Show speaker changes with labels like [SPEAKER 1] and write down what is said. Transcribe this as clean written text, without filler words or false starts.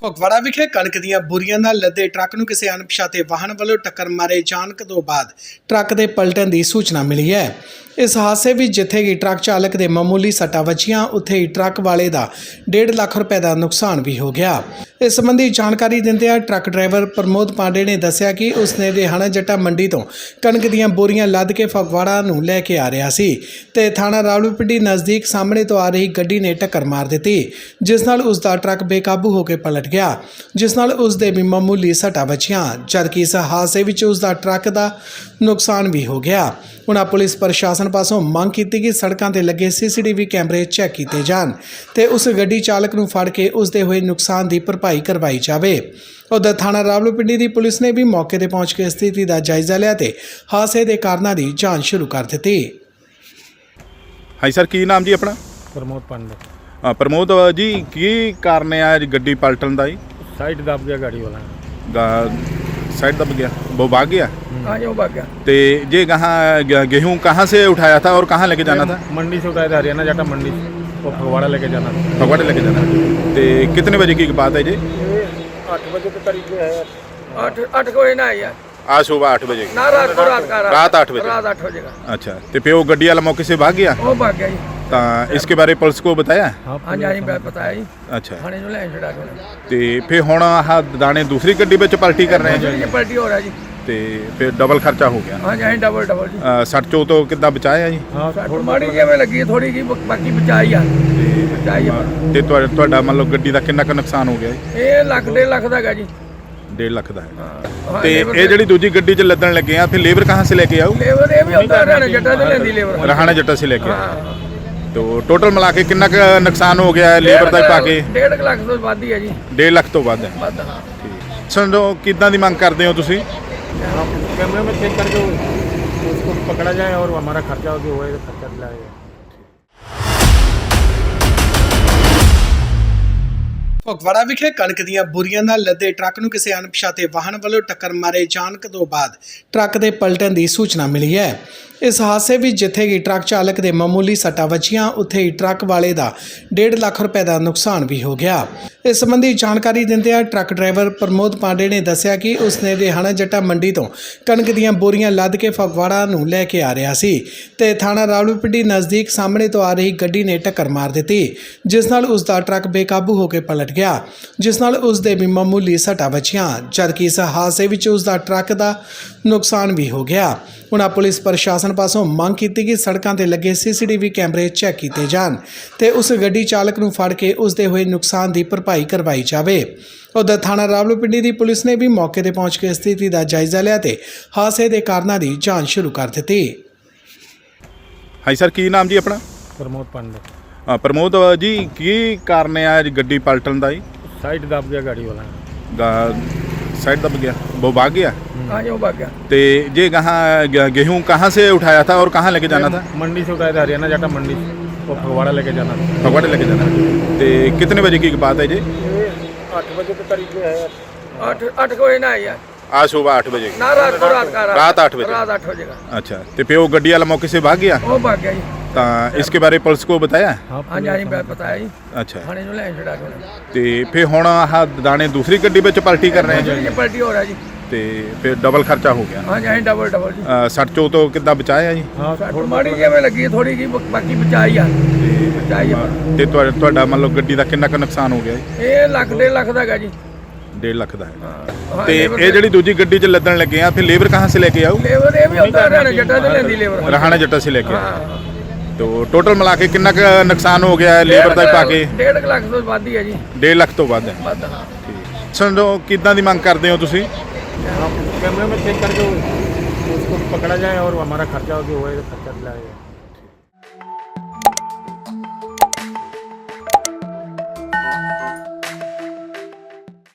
[SPEAKER 1] ਫਗਵਾੜਾ ਵਿਖੇ ਕਣਕ ਦੀਆਂ ਬੋਰੀਆਂ ਨਾਲ ਲੱਦੇ ਟਰੱਕ ਨੂੰ ਕਿਸੇ ਅਣਪਛਾਤੇ ਵਾਹਨ ਵੱਲੋਂ ਟੱਕਰ ਮਾਰੇ ਜਾਣ ਤੋਂ ਬਾਅਦ ਟਰੱਕ ਦੇ ਪਲਟਣ ਦੀ ਸੂਚਨਾ ਮਿਲੀ ਹੈ। ਇਸ ਹਾਦਸੇ ਵਿੱਚ ਜਿੱਥੇ ਕਿ ਟਰੱਕ ਚਾਲਕ ਦੇ ਮਾਮੂਲੀ ਸੱਟਾਂ ਵੱਜੀਆਂ, ਉੱਥੇ ਹੀ ਟਰੱਕ ਵਾਲੇ ਦਾ 1.5 ਲੱਖ ਰੁਪਏ ਦਾ ਨੁਕਸਾਨ ਵੀ ਹੋ ਗਿਆ। ਇਸ ਸੰਬੰਧੀ ਜਾਣਕਾਰੀ ਦਿੰਦਿਆਂ ਟਰੱਕ ਡਰਾਈਵਰ ਪ੍ਰਮੋਦ ਪਾਂਡੇ ਨੇ ਦੱਸਿਆ ਕਿ ਉਸਨੇ ਰਿਹਾਣਾ ਜੱਟਾ ਮੰਡੀ ਤੋਂ ਕਣਕ ਦੀਆਂ ਬੋਰੀਆਂ ਲੱਦ ਕੇ ਫਗਵਾੜਾ ਨੂੰ ਲੈ ਕੇ ਆ ਰਿਹਾ ਸੀ ਤੇ ਥਾਣਾ ਰਾਵਲਪਿੰਡੀ ਨਜ਼ਦੀਕ ਸਾਹਮਣੇ ਤੋਂ ਆ ਰਹੀ ਗੱਡੀ ਨੇ ਟੱਕਰ ਮਾਰ ਦਿੱਤੀ, ਜਿਸ ਨਾਲ ਉਸ ਦਾ ਟਰੱਕ ਬੇਕਾਬੂ ਹੋ ਕੇ ਪਲਟ ਗਿਆ, ਜਿਸ ਨਾਲ ਉਸ ਦੇ ਵੀ ਮਾਮੂਲੀ ਸੱਟਾਂ ਵੱਜੀਆਂ, ਜਦਕਿ ਇਸ ਹਾਦਸੇ ਵਿੱਚ ਉਸ ਦਾ ਟਰੱਕ ਦਾ ਨੁਕਸਾਨ ਵੀ ਹੋ ਗਿਆ। ਉਹਨਾਂ ਪੁਲਿਸ ਪ੍ਰਸ਼ਾਸਨ ਪਾਸੋਂ ਮੰਗ ਕੀਤੀ ਕਿ ਸੜਕਾਂ ਤੇ ਲੱਗੇ CCTV ਕੈਮਰੇ ਚੈੱਕ ਕੀਤੇ ਜਾਣ ਤੇ ਉਸ ਗੱਡੀ ਚਾਲਕ ਨੂੰ ਫੜ ਕੇ ਉਸ ਦੇ ਹੋਏ ਨੁਕਸਾਨ ਦੀ ਭਰਪਾਈ ਕਰਵਾਈ ਜਾਵੇ। ਉਧਰ ਥਾਣਾ ਰਾਵਲਪਿੰਡੀ ਦੀ ਪੁਲਿਸ ਨੇ ਵੀ ਮੌਕੇ ਤੇ ਪਹੁੰਚ ਕੇ ਸਥਿਤੀ ਦਾ ਜਾਇਜ਼ਾ ਲਿਆ ਤੇ ਹਾਦਸੇ ਦੇ ਕਾਰਨਾਂ ਦੀ ਜਾਂਚ ਸ਼ੁਰੂ ਕਰ ਦਿੱਤੀ।
[SPEAKER 2] ਹਾਂਜੀ ਸਰ, ਕੀ ਨਾਮ ਜੀ ਆਪਣਾ?
[SPEAKER 3] ਪ੍ਰਮੋਦ ਪਾਂਡੇ।
[SPEAKER 2] ਪ੍ਰਮੋਦ ਜੀ, ਕੀ ਕਾਰਨ ਹੈ ਅੱਜ ਗੱਡੀ ਪਲਟਣ ਦਾ? ਜੀ
[SPEAKER 3] साइड दब गया गाड़ी वाला।
[SPEAKER 2] साइड दब गया, वो भाग गया।
[SPEAKER 3] हाँ जी, वो भाग गया।
[SPEAKER 2] तो ये कहाँ गेहूँ कहाँ से उठाया था और कहाँ लेके जाना था?
[SPEAKER 3] मंडी से उठाया था, हरियाणा जाटा मंडी वो फगवाड़ा लेके जाना था।
[SPEAKER 2] फगवाड़े लेके जाना। तो कितने बजे की बात है जी?
[SPEAKER 3] 8 बजे के करीब है। 8 बजे ना यार,
[SPEAKER 2] आज सुबह 8 बजे
[SPEAKER 3] ना रात को,
[SPEAKER 2] रात 8 बजे।
[SPEAKER 3] रात 8 बजे का।
[SPEAKER 2] अच्छा, तो फिर वो गड्डी वाला मौके से भाग गया?
[SPEAKER 3] वो भाग गया जी।
[SPEAKER 2] तो इसके बारे पुलिस को बताया?
[SPEAKER 3] हाँ जी, बताया जी।
[SPEAKER 2] अच्छा,
[SPEAKER 3] थाने जो ले छड़ा के।
[SPEAKER 2] तो फिर हुण आह दाने दूसरी गड्डी में पलटी कर रहे हैं?
[SPEAKER 3] ये पलटी हो रहा है जी।
[SPEAKER 2] तो फिर डबल खर्चा हो गया?
[SPEAKER 3] हाँ जी, डबल जी।
[SPEAKER 2] सट चो तो कितना बचाया जी?
[SPEAKER 3] हाँ, माड़ी जी में लगी थोड़ी की, बाकी बचाई है।
[SPEAKER 2] ਤੇ ਤੁਹਾਡਾ ਮੰਨ ਲਓ ਗੱਡੀ ਦਾ ਕਿੰਨਾ ਕੁ ਨੁਕਸਾਨ ਹੋ ਗਿਆ ਜੀ?
[SPEAKER 3] ਇਹ ਲੱਖ 1.5 ਲੱਖ ਦਾ ਹੈਗਾ ਜੀ।
[SPEAKER 2] 1.5 ਲੱਖ ਦਾ ਹੈ। ਤੇ ਇਹ ਜਿਹੜੀ ਦੂਜੀ ਗੱਡੀ 'ਚ ਲੱਦਣ ਲੱਗੇ ਆ, ਫਿਰ ਲੇਬਰ ਕਹਾਂ ਸੇ ਲੈ ਕੇ ਆਓ?
[SPEAKER 3] लेबर ये भी होता है, हरियाणा जट्टा से लेंदी लेबर।
[SPEAKER 2] ਰਹਾਣਾ ਜੱਟਾ ਸੇ ਲੈ ਕੇ ਆਓ।
[SPEAKER 3] हाँ,
[SPEAKER 2] तो टोटल मिला के कितना का नुकसान हो गया है लेबर ਦਾ ਪਾ ਕੇ?
[SPEAKER 3] 1.5 ਲੱਖ ਤੋਂ ਵੱਧ ਹੀ ਹੈ ਜੀ।
[SPEAKER 2] 1.5 ਲੱਖ ਤੋਂ ਵੱਧ ਹੈ।
[SPEAKER 3] ਵੱਧ, ਹਾਂ।
[SPEAKER 2] ਸਮਝੋ ਕਿੱਦਾਂ ਦੀ ਮੰਗ ਕਰਦੇ ਹੋ ਤੁਸੀਂ?
[SPEAKER 3] कैमरे में चेक करके उसको पकड़ा जाए और हमारा खर्चा जो है खर्चा दिलाया जाए।
[SPEAKER 1] ਫਗਵਾੜਾ ਵਿਖੇ ਕਣਕ ਦੀਆਂ ਬੋਰੀਆਂ ਨਾਲ ਲੱਦੇ ਟਰੱਕ ਨੂੰ ਕਿਸੇ ਅਣਪਛਾਤੇ ਵਾਹਨ ਵੱਲੋਂ ਟੱਕਰ ਮਾਰੇ ਜਾਣ ਤੋਂ ਬਾਅਦ ਟਰੱਕ ਦੇ ਪਲਟਣ ਦੀ ਸੂਚਨਾ ਮਿਲੀ ਹੈ। ਇਸ ਹਾਦਸੇ ਵਿੱਚ ਜਿੱਥੇ ਕਿ ਟਰੱਕ ਚਾਲਕ ਦੇ ਮਾਮੂਲੀ ਸੱਟਾਂ ਵੱਜੀਆਂ, ਉੱਥੇ ਹੀ ਟਰੱਕ ਵਾਲੇ ਦਾ 1.5 ਲੱਖ ਰੁਪਏ ਦਾ ਨੁਕਸਾਨ ਵੀ ਹੋ ਗਿਆ। ਇਸ ਸੰਬੰਧੀ ਜਾਣਕਾਰੀ ਦਿੰਦਿਆਂ ਟਰੱਕ ਡਰਾਈਵਰ ਪ੍ਰਮੋਦ ਪਾਂਡੇ ਨੇ ਦੱਸਿਆ ਕਿ ਉਸਨੇ ਰਿਹਾਣਾ ਜੱਟਾ ਮੰਡੀ ਤੋਂ ਕਣਕ ਦੀਆਂ ਬੋਰੀਆਂ ਲੱਦ ਕੇ ਫਗਵਾੜਾ ਨੂੰ ਲੈ ਕੇ ਆ ਰਿਹਾ ਸੀ ਤੇ ਥਾਣਾ ਰਾਵਲਪਿੰਡੀ ਨਜ਼ਦੀਕ ਸਾਹਮਣੇ ਤੋਂ ਆ ਰਹੀ ਗੱਡੀ ਨੇ ਟੱਕਰ ਮਾਰ ਦਿੱਤੀ, ਜਿਸ ਨਾਲ ਉਸ ਦਾ ਟਰੱਕ ਬੇਕਾਬੂ ਹੋ ਕੇ ਪਲਟ ਗਿਆ, ਜਿਸ ਨਾਲ ਉਸ ਦੇ ਵੀ ਮਾਮੂਲੀ ਸੱਟਾਂ ਵੱਜੀਆਂ, ਜਦਕਿ ਇਸ ਹਾਦਸੇ ਵਿੱਚ ਉਸ ਦਾ ਟਰੱਕ ਦਾ ਨੁਕਸਾਨ ਵੀ ਹੋ ਗਿਆ। ਉਹਨਾਂ ਪੁਲਿਸ ਪ੍ਰਸ਼ਾਸਨ ਪਾਸੋਂ ਮੰਗ ਕੀਤੀ ਕਿ ਸੜਕਾਂ ਤੇ ਲੱਗੇ CCTV ਕੈਮਰੇ ਚੈੱਕ ਕੀਤੇ ਜਾਣ ਤੇ ਉਸ ਗੱਡੀ ਚਾਲਕ ਨੂੰ ਫੜ ਕੇ ਉਸ ਦੇ ਹੋਏ ਨੁਕਸਾਨ ਦੀ ਭਰਪਾਈ ਕਰਵਾਈ ਜਾਵੇ। ਉਧਰ ਥਾਣਾ ਰਾਵਲਪਿੰਡੀ ਦੀ ਪੁਲਿਸ ਨੇ ਵੀ ਮੌਕੇ ਤੇ ਪਹੁੰਚ ਕੇ ਸਥਿਤੀ ਦਾ ਜਾਇਜ਼ਾ ਲਿਆ ਤੇ ਹਾਦਸੇ ਦੇ ਕਾਰਨਾਂ ਦੀ ਜਾਂਚ ਸ਼ੁਰੂ ਕਰ ਦਿੱਤੀ।
[SPEAKER 2] ਹਾਂਜੀ ਸਰ, ਕੀ ਨਾਮ ਜੀ ਆਪਣਾ?
[SPEAKER 3] प्रमोद पांडे।
[SPEAKER 2] ਪ੍ਰਮੋਦ ਜੀ, ਕੀ ਕਾਰਨ ਹੈ ਅੱਜ ਗੱਡੀ ਪਲਟਣ ਦਾ? ਜੀ
[SPEAKER 3] साइड दब गया गाड़ी वाला।
[SPEAKER 2] साइड दब गया, वो भाग गया।
[SPEAKER 3] हाँ जी, वो भाग गया।
[SPEAKER 2] तो ये कहाँ गेहूँ कहाँ से उठाया था और कहाँ लेके जाना था?
[SPEAKER 3] मंडी से उठाया था, हरियाणा जाटा मंडी वो फगवाड़ा लेके जाना था।
[SPEAKER 2] फगवाड़े लेके जाना। तो कितने बजे की बात है जी?
[SPEAKER 3] 8 बजे के करीब है। 8 बजे ना यार,
[SPEAKER 2] आज सुबह 8 बजे
[SPEAKER 3] ना रात को,
[SPEAKER 2] रात 8 बजे।
[SPEAKER 3] रात 8 बजे का।
[SPEAKER 2] अच्छा, तो फिर वो गड्डी वाला मौके से भाग गया?
[SPEAKER 3] वो भाग गया जी।
[SPEAKER 2] तो इसके बारे पुलिस को बताया?
[SPEAKER 3] हाँ जी, बताया जी।
[SPEAKER 2] अच्छा,
[SPEAKER 3] थाने जो ले छड़ा के।
[SPEAKER 2] तो फिर हुण आह दाने दूसरी गड्डी में पलटी कर रहे हैं?
[SPEAKER 3] ये पलटी हो रहा है जी।
[SPEAKER 2] तो फिर डबल खर्चा हो गया?
[SPEAKER 3] हाँ जी, डबल जी।
[SPEAKER 2] सट चो तो कितना बचाया जी?
[SPEAKER 3] हाँ, माड़ी जी में लगी थोड़ी की, बाकी बचाई है। बचाई है।
[SPEAKER 2] ਤੇ ਤੁਹਾਡਾ ਮੰਨ ਲਓ ਗੱਡੀ ਦਾ ਕਿੰਨਾ ਕੁ ਨੁਕਸਾਨ ਹੋ ਗਿਆ ਜੀ?
[SPEAKER 3] ਇਹ ਲੱਖ 1.5 ਲੱਖ ਦਾ ਹੈਗਾ ਜੀ।
[SPEAKER 2] 1.5 ਲੱਖ ਦਾ ਹੈ।
[SPEAKER 3] हाँ,
[SPEAKER 2] ਤੇ ਇਹ ਜਿਹੜੀ ਦੂਜੀ ਗੱਡੀ 'ਚ ਲੱਦਣ ਲੱਗੇ ਆ, ਫਿਰ ਲੇਬਰ ਕਹਾਂ ਸੇ ਲੈ ਕੇ ਆਓ?
[SPEAKER 3] लेबर ये भी होता है, हरियाणा जट्टा से लेंदी लेबर।
[SPEAKER 2] ਰਹਾਣਾ ਜੱਟਾ ਸੇ ਲੈ ਕੇ ਆਓ।
[SPEAKER 3] हाँ,
[SPEAKER 2] तो टोटल मिला के कितना का नुकसान हो गया है लेबर ਦਾ ਪਾ ਕੇ?
[SPEAKER 3] 1.5 ਲੱਖ ਤੋਂ ਵੱਧ ਹੀ ਹੈ ਜੀ।
[SPEAKER 2] 1.5 ਲੱਖ ਤੋਂ ਵੱਧ ਹੈ।
[SPEAKER 3] ਵੱਧ, ਹਾਂ।
[SPEAKER 2] ਸਮਝੋ ਕਿੱਦਾਂ ਦੀ ਮੰਗ ਕਰਦੇ ਹੋ ਤੁਸੀਂ?
[SPEAKER 3] कैमरे में चेक करके उसको पकड़ा जाए और हमारा खर्चा जो है खर्चा दिलाया जाए।